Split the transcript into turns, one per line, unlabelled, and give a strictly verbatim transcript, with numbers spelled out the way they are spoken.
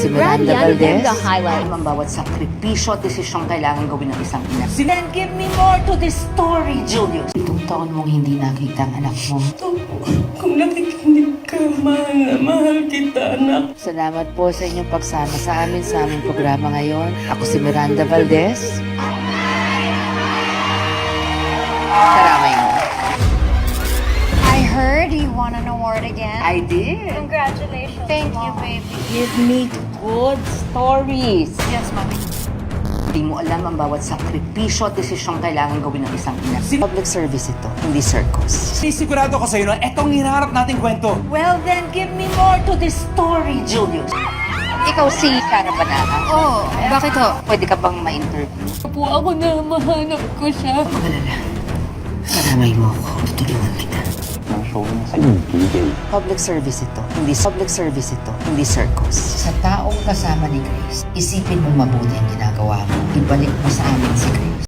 si Miranda Valdez.
The highlight.
Ang bawat sakripisyo at desisyong kailangan gawin ng isang ina.
Then give me more to this story, Julius.
Itong taon mong hindi nakita ang anak mo.
Kung nakikinig ka, mahal na mahal kita, anak.
Salamat po sa inyong pagsama sa amin sa aming programa ngayon. Ako si Miranda Valdez. Karamay mo.
I heard you won an award again.
I did.
Congratulations. Thank you, baby.
Give me good stories.
Yes, mommy.
Hindi mo alam ang bawat sakripisyo at desisyong kailangan gawin ng isang ina. Public service ito, hindi circus.
Sisigurado ko sa'yo na etong hinaharap nating kwento.
Well, then give me more to this story, Julius.
Ikaw si Cara Banana.
Oh, bakit ho?
Pwede ka bang ma-interview?
Po ako na mahanap ko siya.
Magalala. Karamay mo ako. Tutulungan kita. Public service ito, hindi public service ito, hindi circus. Sa taong kasama ni Grace, isipin mo mabuti ang ginagawa mo. Ibalik mo sa amin si Grace.